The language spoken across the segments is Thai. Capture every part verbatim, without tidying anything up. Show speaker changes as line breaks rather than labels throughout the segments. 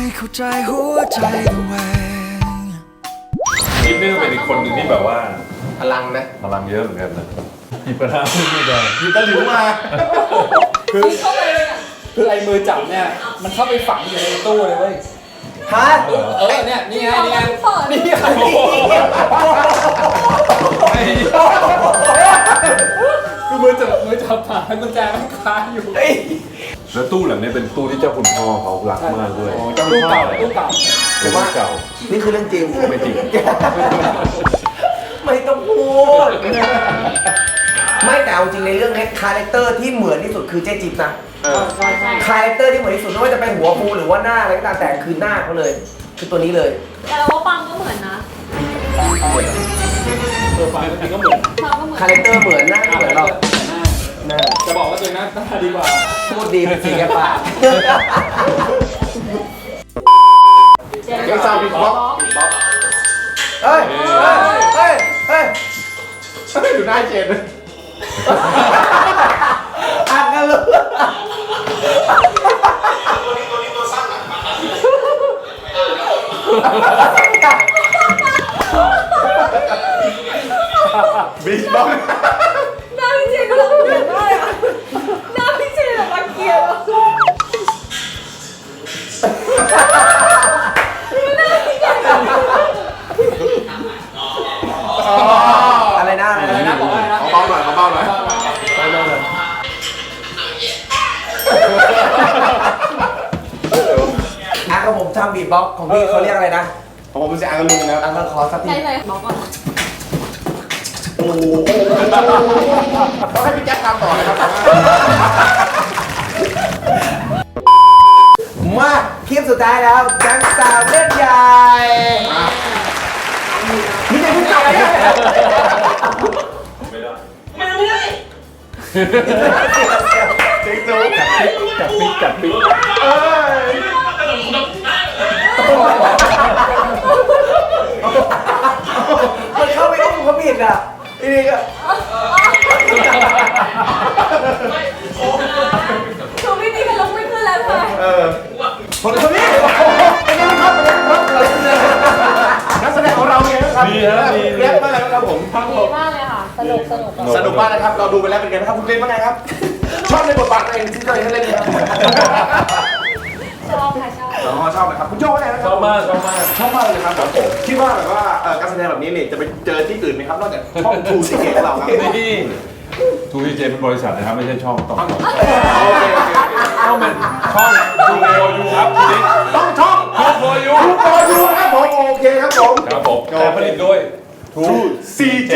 เข้าใจหัวใจตัวเอง
ยิปนี่ก็เป็นอีกคนหนึ่งที่แบบว่า
พลังนะ
พลังเยอะเหมือนกันนะหยิบกระทะขึ้นไม่ได้
หยิบตะหลิวมา
คือคือไอ้มือจับเนี่ยมันเข้าไปฝังอยู่ในตู้เลยเว้ย
ฮะ
เออเนี่ยนี่ไงนี่ไงนี่ไงคือมือจับมือจับผ่านกุญแจมันคาอยู่
แล้วตู้หลังนี้เป็นตู้ที่เจ้าคุณพ่อเขารักมากด้วย
ตู้เก่าตู้เก่า
เป็นตู้เก่า
นี่คือเรื่องจริง
ไม่จริง
ไม่ต้องพูด ไม่แต่เอาจริงในเรื่องนี้คาแรคเตอร์ที่เหมือนที่สุดคือเจ๊จิ๊บนะ
ใช่ใช่
คาแรคเตอร์ที่เหมือนที่สุดไม่ว่าจะเป็นหัวฟูหรือว่าหน้าอะไรก็ตามแต่คือหน้าเขาเลย คือตัวนี้เลย
แต่ว่าปังก็เหมือนนะ
ตัวไฟจริงก็เหมือน
ปังก็เหมือน
คาแรคเตอร์เหมือนหน้าเหมือนเราหน้า
จะบอกว่าตัวนั้นหน้าดีกว่า
พูดดีเป็นสีแกปาก
เจ๊
ยังซาวด์บีทบ็อกซ์ เฮ้ยเฮ้ยเฮ้ยเฮ้ยดูหน้าเจนอ่านกันเลยบีทบ็อกซ์
หน้าพี่เจนก็รังเกียจได้อะหน้าพี่เจนแบบรังเกียจอะ
อะไรนะอะไร
อะไรนะ
นะ
บอกอะไรนะ
เบาหน่อยเบาหน่อยอ่ะของผมทำบีทบ็อกซ์ของพี่เขาเรียกอะไรนะของผมเป็นเสียงอังกฤษนะอังกฤษขอสักที
ใช่เลยบอกก่อน
โอ้โหต้องให้พี่แจ๊คทำต่อนะครับมาคลิปสุดท้ายแล้วแก๊งสาวเล่นใหญ่นี่ไงพี่จับเนี่ย
ไม่ได้
เจ๊งจู
จับปิ๊กจับปิ๊ก
เอ้ยมันเข้าไปอุ้มเขาผิดอ่ะทีนี้ก็
คือพี่นี่ก็ลุกไม่ขึ้นแล้วใช่ไหม
เออคนคนนี้เป็นยังไงครับนักแสดงของเราไงครับ
ดีฮะดี
เรียกมาแล้วครับผม
ดีมากเลยค่ะ สนุกสนุก
สนุกมากนะครับเราดูไปแล้วเป็นไงครับคุณเล่นว่าไงครับชอบในบทบาทตัวเองที่ตัวเองเล่นครับ
ชอบค่ะชอบ
อ๋อชอบนะครับคุณโจ้ว่าไงนะค
ช
รับ
อบมากชอบมาก
ชอบมากเลยครับผมคิดว่าแบบว่าการแสดงแบบนี้เนี่ยจะไปเจอที่อื่นไหมครับนอกจากช่องทูซีเกตของเราครับ
นี่ทูวีเจเป็นบริษัทนะครับไม่ใช่ช่องต้อง
โอเคโอเค
ต้องเป็นช่องทูโอยูครับทีนี้
ต้องช่อง
ทูโอยู
ทูโอยูครับผมโอเคครับผม
ครับผมแต่ผลิตโดยทู
ซีเจ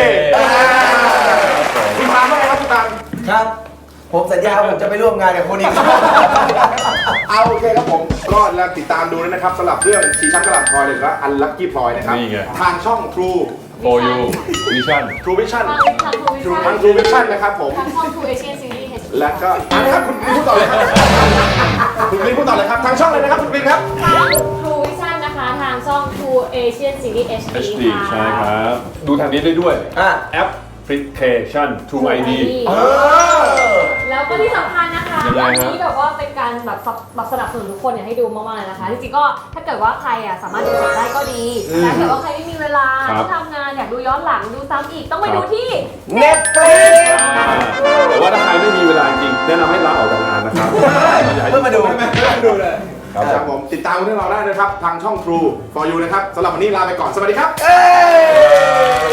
คุณตามว่าไงครับคุณตามครับผมสัญญาผมจะไปร่วมงานกับคนอีกเอาโอเคครับผมก็แล้วติดตามดูนะครับสำหรับเรื่องชีช้ำกระหล่ำพลอยหรือว่าอันลัคกี้พลอยนะครับทางช่อง True
โอยูวิชั่น
True Vision
ทางทางทูวิชั่น
ทาง True Vision นะครับผม
ทางช่องทูเอเชียนซีรีส์
แล้วก็อันนี้ครับคุณพูดต่อเลยครับคุณลินพูดต่อเลยครับทางช่องเลยนะครับคุณลินครับ
ทางทูวิชั่นนะคะ ทางช่องทูเอเชียนซีรีส์ เอช
เอช
ดี
ดี
ค่ะ
ใช่ครับ ดูทางนี้ได้ด้วย
อ่ะ
แอปพลิเคชัน ทู ไอ ดี
เออ
แล้วก็ที่สำคัญนะคะ
ยังไง
อัน
ครับ
นี้แบบว่าเป็นการแบบสนับแบบสนับสนุนทุกคนอยากให้ดูมากๆเลยนะคะ จริงๆก็ถ้าเกิดว่าใครอ่ะสามารถดูสดได้ก็ดีแต่ถ้าเกิดว่าใครไม่มีเวลาต้องทำงานอยากดูย้อนหลังดูซ้ำอีกต้องไปดูที่
Netflix
แต่ว่าถ้าใครไม่มีเวลาจริงแนะนำให้ลาออกจากงานนะครับ
เพื่อมาดู
ดูเลย
ครับผมติดตามพวกเราได้นะครับทางช่อง True for You นะครับสำหรับวันนี้ลาไปก่อนสวัสดีครับ